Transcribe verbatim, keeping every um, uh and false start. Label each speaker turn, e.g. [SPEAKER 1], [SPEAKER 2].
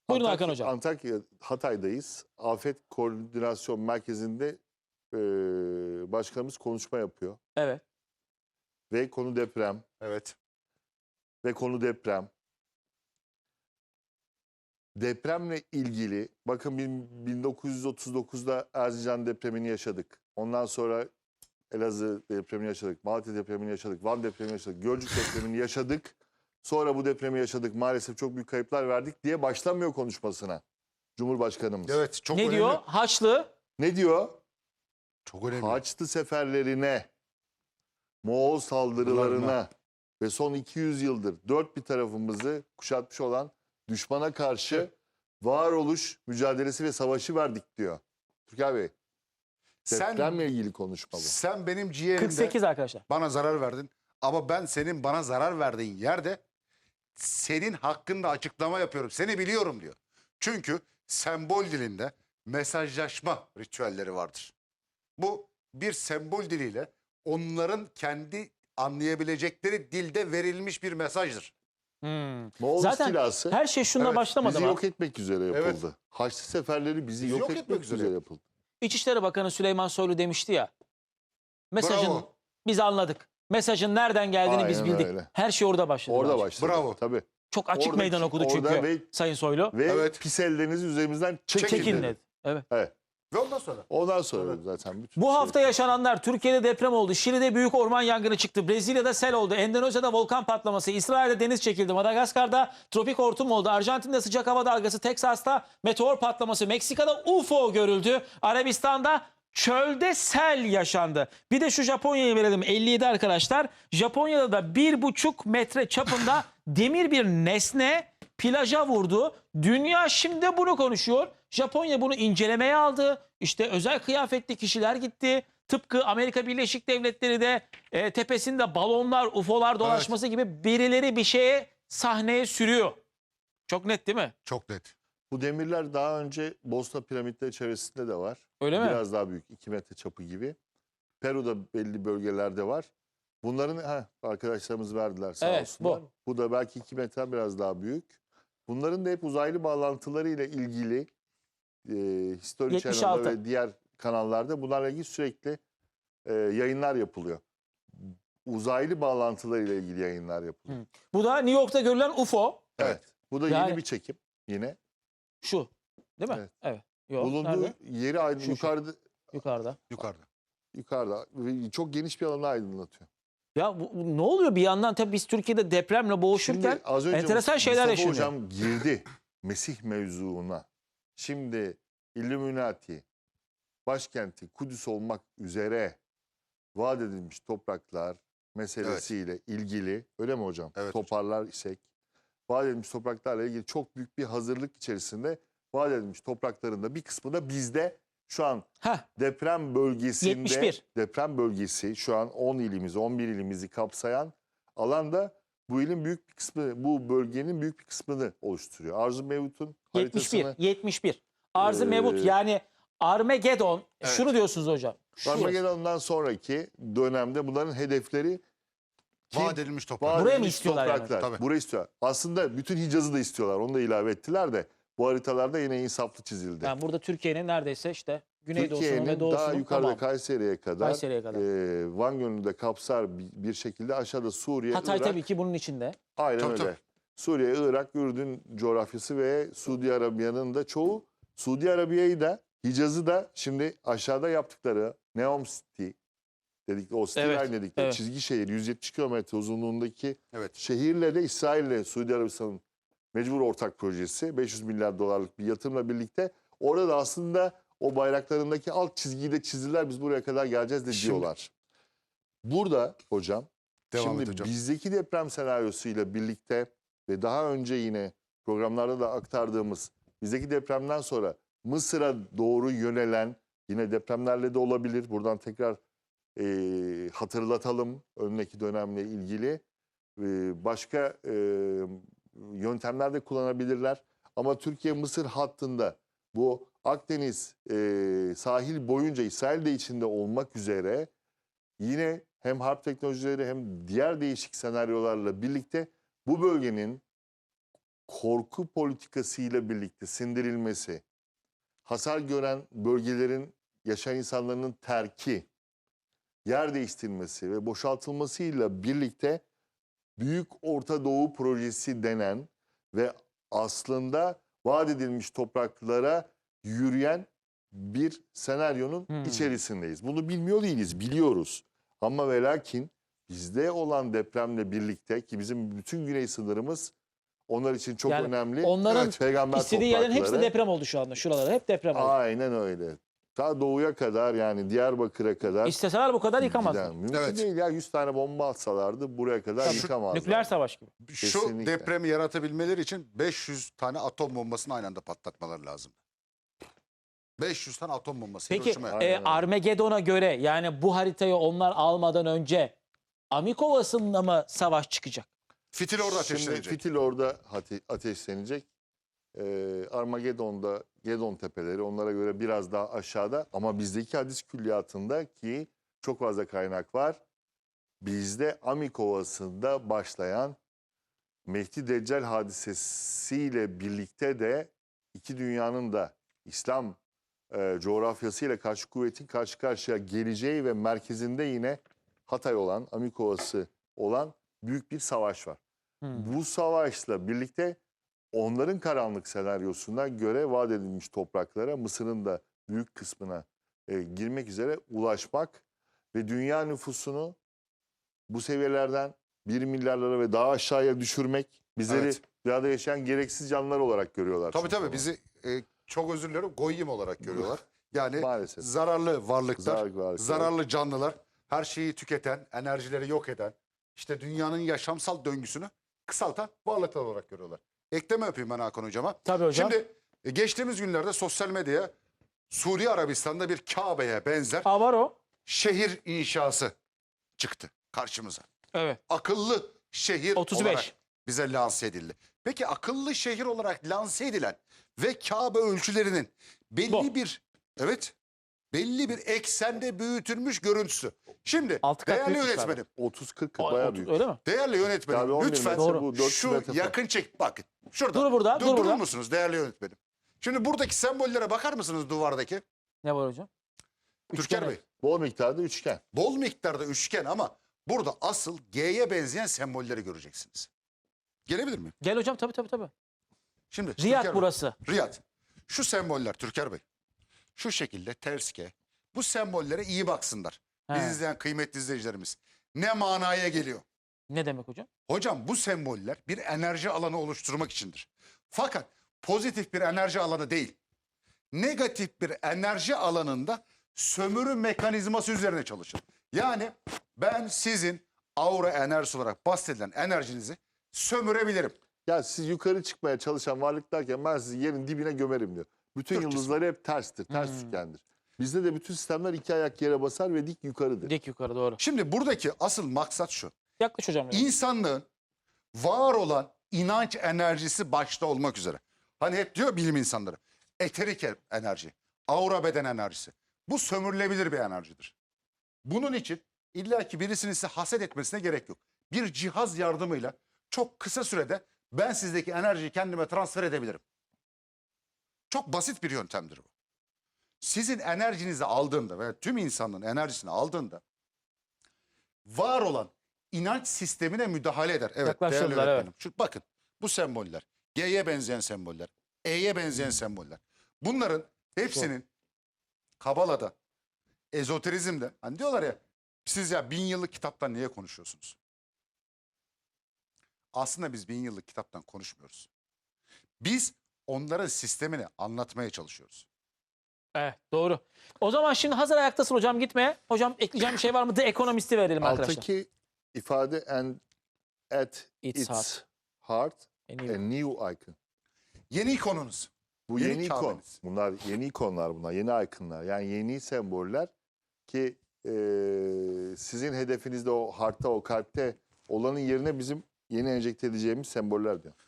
[SPEAKER 1] Buyurun
[SPEAKER 2] Antakya,
[SPEAKER 1] Hakan Hocam.
[SPEAKER 2] Antakya, Hatay'dayız. Afet Koordinasyon Merkezi'nde e, başkanımız konuşma yapıyor.
[SPEAKER 1] Evet.
[SPEAKER 2] Ve konu deprem.
[SPEAKER 3] Evet.
[SPEAKER 2] Ve konu deprem. Depremle ilgili, bakın bin dokuz yüz otuz dokuzda Erzincan depremini yaşadık. Ondan sonra Elazığ depremini yaşadık, Malatya depremini yaşadık, Van depremini yaşadık, Gölcük depremini yaşadık. Sonra bu depremi yaşadık, maalesef çok büyük kayıplar verdik diye başlamıyor konuşmasına Cumhurbaşkanımız.
[SPEAKER 3] Evet, çok
[SPEAKER 1] ne
[SPEAKER 3] önemli.
[SPEAKER 1] diyor? Haçlı.
[SPEAKER 2] Ne diyor?
[SPEAKER 3] Çok önemli.
[SPEAKER 2] Haçlı seferlerine, Moğol saldırılarına ve son iki yüz yıldır dört bir tarafımızı kuşatmış olan düşmana karşı varoluş mücadelesi ve savaşı verdik diyor. Türker Bey,
[SPEAKER 3] Sen,
[SPEAKER 2] depremle ilgili konuşma bu.
[SPEAKER 3] sen benim ciğerimde
[SPEAKER 1] kırk sekiz arkadaşlar.
[SPEAKER 3] bana zarar verdin. Ama ben senin bana zarar verdiğin yerde senin hakkında açıklama yapıyorum. Seni biliyorum diyor. Çünkü sembol dilinde mesajlaşma ritüelleri vardır. Bu bir sembol diliyle onların kendi anlayabilecekleri dilde verilmiş bir mesajdır.
[SPEAKER 1] Hmm.
[SPEAKER 2] Moğol
[SPEAKER 1] Zaten
[SPEAKER 2] istilası
[SPEAKER 1] her şey şununla
[SPEAKER 3] Evet,
[SPEAKER 1] başlamadı
[SPEAKER 2] bizi
[SPEAKER 1] mı?
[SPEAKER 2] yok etmek üzere yapıldı. Haçlı seferleri bizi yok, etmek, üzere yapıldı.
[SPEAKER 1] İçişleri Bakanı Süleyman Soylu demişti ya. Mesajın
[SPEAKER 3] Bravo.
[SPEAKER 1] biz anladık. Mesajın nereden geldiğini biz
[SPEAKER 2] Aynen
[SPEAKER 1] bildik.
[SPEAKER 2] öyle.
[SPEAKER 1] Her şey orada başladı.
[SPEAKER 2] Orada
[SPEAKER 1] bence.
[SPEAKER 2] başladı.
[SPEAKER 3] Bravo.
[SPEAKER 2] Tabii.
[SPEAKER 1] Çok açık
[SPEAKER 2] Oradaki-
[SPEAKER 1] meydan okudu çünkü
[SPEAKER 2] orada ve-
[SPEAKER 1] Sayın Soylu.
[SPEAKER 2] Ve
[SPEAKER 3] Evet.
[SPEAKER 2] pis ellerinizi üzerimizden çekin,
[SPEAKER 3] Çekin
[SPEAKER 1] Çekin
[SPEAKER 2] dedi.
[SPEAKER 1] dedi. Evet.
[SPEAKER 2] Evet.
[SPEAKER 3] Ve ondan sonra.
[SPEAKER 2] Ondan sonra zaten bütün
[SPEAKER 1] Bu
[SPEAKER 2] şey-
[SPEAKER 1] hafta yaşananlar: Türkiye'de deprem oldu, Şili'de büyük orman yangını çıktı, Brezilya'da sel oldu, Endonezya'da volkan patlaması, İsrail'de deniz çekildi, Madagaskar'da tropik hortum oldu, Arjantin'de sıcak hava dalgası, Teksas'ta meteor patlaması, Meksika'da U F O görüldü, Arabistan'da çölde sel yaşandı. Bir de şu Japonya'yı verelim, elli yedi arkadaşlar. Japonya'da da bir buçuk metre çapında demir bir nesne plaja vurdu. Dünya şimdi bunu konuşuyor. Japonya bunu incelemeye aldı. İşte özel kıyafetli kişiler gitti. Tıpkı Amerika Birleşik Devletleri de e, tepesinde balonlar, U F O'lar dolaşması gibi birileri bir şeye sahneye sürüyor. Çok net değil mi?
[SPEAKER 3] Çok net.
[SPEAKER 2] Bu demirler daha önce Bosna piramitleri çevresinde de var.
[SPEAKER 1] Öyle mi?
[SPEAKER 2] Biraz daha büyük, iki metre çapı gibi. Peru'da belli bölgelerde var. Bunların ha arkadaşlarımız verdiler sağ
[SPEAKER 1] Evet,
[SPEAKER 2] olsunlar.
[SPEAKER 1] bu.
[SPEAKER 2] Bu da belki iki metre biraz daha büyük. Bunların da hep uzaylı bağlantıları ile ilgili e, History
[SPEAKER 1] yetmiş
[SPEAKER 2] Channel'da
[SPEAKER 1] altı.
[SPEAKER 2] ve diğer kanallarda bunlarla ilgili sürekli e, yayınlar yapılıyor. Uzaylı bağlantıları ile ilgili yayınlar yapılıyor.
[SPEAKER 1] Hı. Bu da New York'ta görülen U F O.
[SPEAKER 2] Evet. Bu da
[SPEAKER 1] Yani-
[SPEAKER 2] yeni bir çekim yine.
[SPEAKER 1] Şu. Değil mi?
[SPEAKER 2] Evet.
[SPEAKER 1] Evet. Yok,
[SPEAKER 2] Bulunduğu
[SPEAKER 1] nerede?
[SPEAKER 2] yeri aydın
[SPEAKER 1] Şu, şu.
[SPEAKER 2] yukarıda
[SPEAKER 1] Yukarıda.
[SPEAKER 3] Yukarıda.
[SPEAKER 2] yukarıda ve çok geniş bir alanı aydınlatıyor.
[SPEAKER 1] Ya bu, bu ne oluyor bir yandan? Tabii biz Türkiye'de depremle boğuşurken
[SPEAKER 2] Şimdi az önce
[SPEAKER 1] enteresan şeyler
[SPEAKER 2] Mustafa
[SPEAKER 1] yaşanıyor.
[SPEAKER 2] Hocam girdi Mesih mevzuuna. Şimdi Illuminati başkenti Kudüs olmak üzere vaat edilmiş topraklar meselesiyle ilgili, öyle mi hocam?
[SPEAKER 3] Evet
[SPEAKER 2] Toparlar isek. Vaat edilmiş topraklarla ilgili çok büyük bir hazırlık içerisinde vaat edilmiş toprakların da bir kısmı da bizde şu an
[SPEAKER 1] Heh,
[SPEAKER 2] deprem bölgesinde
[SPEAKER 1] yetmiş bir.
[SPEAKER 2] deprem bölgesi şu an on ilimizi on bir ilimizi kapsayan alanda bu ilin büyük bir kısmı, bu bölgenin büyük bir kısmını oluşturuyor. Arzu Mevut'un
[SPEAKER 1] yetmiş bir.
[SPEAKER 2] haritasını
[SPEAKER 1] yetmiş bir. Arz-ı
[SPEAKER 2] Ee,
[SPEAKER 1] Mevut yani Armageddon.
[SPEAKER 3] Evet.
[SPEAKER 1] Şunu diyorsunuz hocam. Şu
[SPEAKER 2] Armageddon'dan sonraki dönemde bunların hedefleri ki
[SPEAKER 3] Vaat edilmiş toprak.
[SPEAKER 2] vaat
[SPEAKER 1] Buraya mı
[SPEAKER 2] edilmiş
[SPEAKER 1] istiyorlar yani?
[SPEAKER 2] topraklar.
[SPEAKER 3] Tabii.
[SPEAKER 2] Burayı istiyorlar. Aslında bütün Hicaz'ı da istiyorlar. Onu da ilave ettiler de bu haritalarda yine insaflı çizildi.
[SPEAKER 1] Yani burada Türkiye'nin neredeyse işte Güneydoğu'sunun ve
[SPEAKER 2] Türkiye'nin
[SPEAKER 1] Doğu'sunun
[SPEAKER 2] daha yukarıda
[SPEAKER 1] tamamı.
[SPEAKER 2] Kayseri'ye kadar,
[SPEAKER 1] Kayseri'ye kadar.
[SPEAKER 2] e, Van Gölü'nü de kapsar bir, bir şekilde aşağıda Suriye,
[SPEAKER 1] Hatay
[SPEAKER 2] Irak.
[SPEAKER 1] tabii ki bunun içinde.
[SPEAKER 2] Aynen
[SPEAKER 3] Tabii,
[SPEAKER 2] öyle.
[SPEAKER 3] tabii.
[SPEAKER 2] Suriye, Irak, Ürdün coğrafyası ve Suudi Arabiya'nın da çoğu. Suudi Arabiya'yı da Hicaz'ı da şimdi aşağıda yaptıkları Neom City dedik, o City
[SPEAKER 1] Evet,
[SPEAKER 2] Line dedikleri
[SPEAKER 1] evet.
[SPEAKER 2] çizgi şehir yüz yetmiş kilometre uzunluğundaki
[SPEAKER 3] Evet.
[SPEAKER 2] şehirle de İsrail'le Suudi Arabistan'ın mecbur ortak projesi beş yüz milyar dolarlık bir yatırımla birlikte orada da aslında o bayraklarındaki alt çizgiyi de çizdiler, biz buraya kadar geleceğiz de
[SPEAKER 3] Şimdi-
[SPEAKER 2] diyorlar. Burada hocam
[SPEAKER 3] Devam
[SPEAKER 2] şimdi
[SPEAKER 3] et hocam.
[SPEAKER 2] bizdeki deprem senaryosuyla birlikte ve daha önce yine programlarda da aktardığımız bizdeki depremden sonra Mısır'a doğru yönelen yine depremlerle de olabilir. Buradan tekrar e, hatırlatalım önündeki dönemle ilgili. E, başka e, yöntemler de kullanabilirler. Ama Türkiye-Mısır hattında bu Akdeniz e, sahil boyunca İsrail de içinde olmak üzere yine hem harp teknolojileri hem diğer değişik senaryolarla birlikte bu bölgenin korku politikasıyla birlikte sindirilmesi, hasar gören bölgelerin yaşayan insanların terki, yer değiştirilmesi ve boşaltılmasıyla birlikte Büyük Orta Doğu Projesi denen ve aslında vaat edilmiş topraklara yürüyen bir senaryonun
[SPEAKER 1] Hmm.
[SPEAKER 2] içerisindeyiz. Bunu bilmiyor değiliz, biliyoruz. Ama ve lakin bizde olan depremle birlikte ki bizim bütün güney sınırımız onlar için çok
[SPEAKER 1] Yani
[SPEAKER 2] önemli.
[SPEAKER 1] onların
[SPEAKER 2] Evet, peygamber
[SPEAKER 1] İstediği yerlerin hepsi
[SPEAKER 2] toprakları.
[SPEAKER 1] deprem oldu şu anda. Şuralar hep deprem oldu.
[SPEAKER 2] Aynen öyle. Ta doğuya kadar yani Diyarbakır'a kadar.
[SPEAKER 1] İsteseler bu kadar yıkamazlar.
[SPEAKER 2] giden. Mümkün
[SPEAKER 3] Evet.
[SPEAKER 2] değil ya, yüz tane bomba atsalardı buraya kadar
[SPEAKER 1] Tabii.
[SPEAKER 2] yıkamazlar.
[SPEAKER 1] Nükleer savaş gibi.
[SPEAKER 3] Şu
[SPEAKER 2] Kesinlikle.
[SPEAKER 3] depremi yaratabilmeleri için beş yüz tane atom bombasını aynı anda patlatmaları lazım. beş yüz tane atom bombası.
[SPEAKER 1] Peki
[SPEAKER 3] Hiroşima'ya.
[SPEAKER 2] Aynen
[SPEAKER 1] e,
[SPEAKER 2] öyle.
[SPEAKER 1] Armageddon'a göre yani bu haritayı onlar almadan önce Amikovası'nda mı savaş çıkacak?
[SPEAKER 3] Fitil orada
[SPEAKER 2] Şimdi
[SPEAKER 3] ateşlenecek.
[SPEAKER 2] fitil orada ate- ateşlenecek. Ee, Armageddon'da Gedon tepeleri onlara göre biraz daha aşağıda ama bizdeki hadis külliyatında ki çok fazla kaynak var. Bizde Amik Ovası'nda başlayan Mehdi Deccal hadisesiyle birlikte de iki dünyanın da İslam e, coğrafyasıyla karşı kuvvetin karşı karşıya geleceği ve merkezinde yine Hatay olan, Amik Ovası olan büyük bir savaş var.
[SPEAKER 1] Hmm.
[SPEAKER 2] Bu savaşla birlikte onların karanlık senaryosuna göre vaat edilmiş topraklara, Mısır'ın da büyük kısmına e, girmek üzere ulaşmak ve dünya nüfusunu bu seviyelerden bir milyarlara ve daha aşağıya düşürmek, bizleri
[SPEAKER 3] Evet.
[SPEAKER 2] dünyada yaşayan gereksiz canlılar olarak görüyorlar.
[SPEAKER 3] Tabii
[SPEAKER 2] çünkü
[SPEAKER 3] tabii
[SPEAKER 2] onu.
[SPEAKER 3] bizi e, çok özür dilerim goyim olarak görüyorlar. Yani
[SPEAKER 2] Maalesef.
[SPEAKER 3] zararlı varlıklar,
[SPEAKER 2] Zarar var.
[SPEAKER 3] zararlı canlılar, her şeyi tüketen, enerjileri yok eden, işte dünyanın yaşamsal döngüsünü kısaltan varlıklar olarak görüyorlar. Ekleme yapayım ben Hakan Hocama.
[SPEAKER 1] Tabii hocam.
[SPEAKER 3] Şimdi e, geçtiğimiz günlerde sosyal medyaya Suudi Arabistan'da bir Kabe'ye benzer
[SPEAKER 1] Aa, var o.
[SPEAKER 3] şehir inşası çıktı karşımıza.
[SPEAKER 1] Evet.
[SPEAKER 3] Akıllı şehir
[SPEAKER 1] otuz beş.
[SPEAKER 3] olarak bize lanse edildi. Peki akıllı şehir olarak lanse edilen ve Kabe ölçülerinin belli
[SPEAKER 1] Bu.
[SPEAKER 3] bir evet belli bir eksende büyütülmüş görüntüsü. Şimdi
[SPEAKER 1] Altı kat
[SPEAKER 3] değerli
[SPEAKER 1] büyükmüş
[SPEAKER 3] yönetmenim,
[SPEAKER 2] otuz kırk
[SPEAKER 1] O-
[SPEAKER 2] bayağı
[SPEAKER 1] otuz
[SPEAKER 2] büyük.
[SPEAKER 1] Öyle mi?
[SPEAKER 3] değerli
[SPEAKER 2] Tabii
[SPEAKER 3] yönetmenim
[SPEAKER 2] on bir
[SPEAKER 3] lütfen
[SPEAKER 2] metre
[SPEAKER 1] Doğru.
[SPEAKER 2] bu, dört yüz
[SPEAKER 3] şu
[SPEAKER 2] metre falan.
[SPEAKER 3] yakın çek bakın. Şurada.
[SPEAKER 1] Dur burada,
[SPEAKER 3] Dur,
[SPEAKER 1] dur
[SPEAKER 3] durur
[SPEAKER 1] burada.
[SPEAKER 3] musunuz değerli yönetmenim? Şimdi buradaki sembollere bakar mısınız duvardaki?
[SPEAKER 1] Ne var hocam?
[SPEAKER 3] Türker
[SPEAKER 1] Üçgen
[SPEAKER 3] Bey.
[SPEAKER 2] Bol miktarda üçgen.
[SPEAKER 3] Bol miktarda üçgen ama burada asıl G'ye benzeyen sembolleri göreceksiniz. Gelebilir miyim?
[SPEAKER 1] Gel hocam, tabii tabii tabii.
[SPEAKER 3] Şimdi
[SPEAKER 1] Riyad
[SPEAKER 3] Türker Bey,
[SPEAKER 1] burası.
[SPEAKER 3] Riyad. Şu semboller Türker Bey. Şu şekilde ters G. Bu sembollere iyi baksınlar. Biz
[SPEAKER 1] He.
[SPEAKER 3] izleyen kıymetli izleyicilerimiz. Ne manaya geliyor?
[SPEAKER 1] Ne demek hocam?
[SPEAKER 3] Hocam bu semboller bir enerji alanı oluşturmak içindir. Fakat pozitif bir enerji alanı değil. Negatif bir enerji alanında sömürü mekanizması üzerine çalışır. Yani ben sizin aura enerjisi olarak bahsedilen enerjinizi sömürebilirim.
[SPEAKER 2] Ya siz yukarı çıkmaya çalışan varlıklarken ben sizi yerin dibine gömerim diyor. Bütün
[SPEAKER 3] Türkçesi.
[SPEAKER 2] yıldızları hep terstir, ters
[SPEAKER 1] Hmm.
[SPEAKER 2] üçgendir. Bizde de bütün sistemler iki ayak yere basar ve dik yukarıdır.
[SPEAKER 1] Dik yukarı doğru.
[SPEAKER 3] Şimdi buradaki asıl maksat şu.
[SPEAKER 1] Yaklaş hocam. biraz.
[SPEAKER 3] İnsanlığın var olan inanç enerjisi başta olmak üzere. Hani hep diyor bilim insanları. Eterik enerji, aura beden enerjisi. Bu sömürülebilir bir enerjidir. Bunun için illaki birisinin size haset etmesine gerek yok. Bir cihaz yardımıyla çok kısa sürede ben sizdeki enerjiyi kendime transfer edebilirim. Çok basit bir yöntemdir bu. Sizin enerjinizi aldığında ve tüm insanlığın enerjisini aldığında var olan inanç sistemine müdahale eder. Evet,
[SPEAKER 1] Yaklaştırdılar,
[SPEAKER 3] değerli
[SPEAKER 1] evet.
[SPEAKER 3] öğretmenim. Şu, bakın bu semboller, G'ye benzeyen semboller, E'ye benzeyen semboller. Bunların hepsinin Kabala'da, ezoterizmde, hani diyorlar ya siz ya bin yıllık kitaptan niye konuşuyorsunuz? Aslında biz bin yıllık kitaptan konuşmuyoruz. Biz onların sistemini anlatmaya çalışıyoruz.
[SPEAKER 1] Evet, doğru. O zaman şimdi hazır ayaktasın hocam, gitme. Hocam ekleyeceğim bir şey var mı? The Economist'i verelim arkadaşlar.
[SPEAKER 2] Alttaki ifade and at
[SPEAKER 1] It's
[SPEAKER 2] its,
[SPEAKER 1] heart.
[SPEAKER 2] heart
[SPEAKER 1] En
[SPEAKER 2] a
[SPEAKER 1] iyi.
[SPEAKER 2] new icon.
[SPEAKER 3] Yeni ikonunuz.
[SPEAKER 2] Bu
[SPEAKER 3] Yeni
[SPEAKER 2] yeni, ikon.
[SPEAKER 3] Kabe'niz.
[SPEAKER 2] Bunlar yeni ikonlar bunlar. Yeni ikonlar. Yani yeni semboller ki e, sizin hedefinizde o hartta, o kalpte olanın yerine bizim yeni enjekte edeceğimiz semboller diyor.